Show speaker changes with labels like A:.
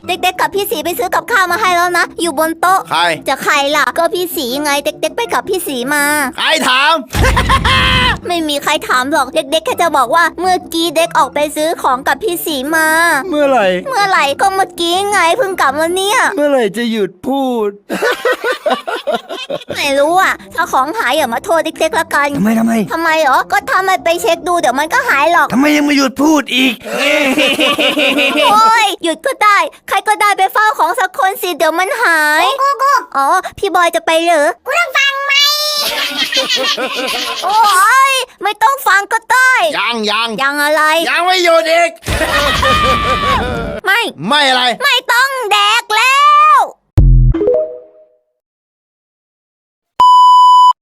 A: เด็กๆกับพี่สีไปซื้อกับข้าวมาให้แล้วนะอยู่บนโต๊ะ
B: ใคร
A: จะใครล่ะก็พี่สีไงเด็กๆไปกับพี่สีมา
B: ใครถาม
A: ไม่มีใครถามหรอกเด็กๆแค่จะบอกว่าเมื่อกี้เด็กออกไปซื้อของกับพี่สีมา
C: เมื่อไหร่
A: เมื่อไหร่ก็เมื่อกี้ไงเพิ่งกลับมาเนี่ย
C: เมื่อไหร่จะหยุดพูด
A: ไม่รู้อ่ะถ้าของหายอย่ามาโทษเด็กๆละกัน
C: ทำไม
A: ทำไมเหรอก็ถ้าไม่ไปเช็คดูเดี๋ยวมันก็หายหรอก
C: ทำไมยังไม่หยุดพูดอีก
A: โอ้ยหยุดก็ได้ ใครก็ได้ไปเฝ้าของสักคนสิเดี๋ยวมันหายอ๋อพี่บอยจะไปเหรอกูต้องฟังไหมโอ้ยไม่ต้องฟังก็ได้
B: ยัง
A: ยังอะไร
B: ยังไม่หยุดอีก
A: ไม่
B: ไม่อะไร
A: ไม่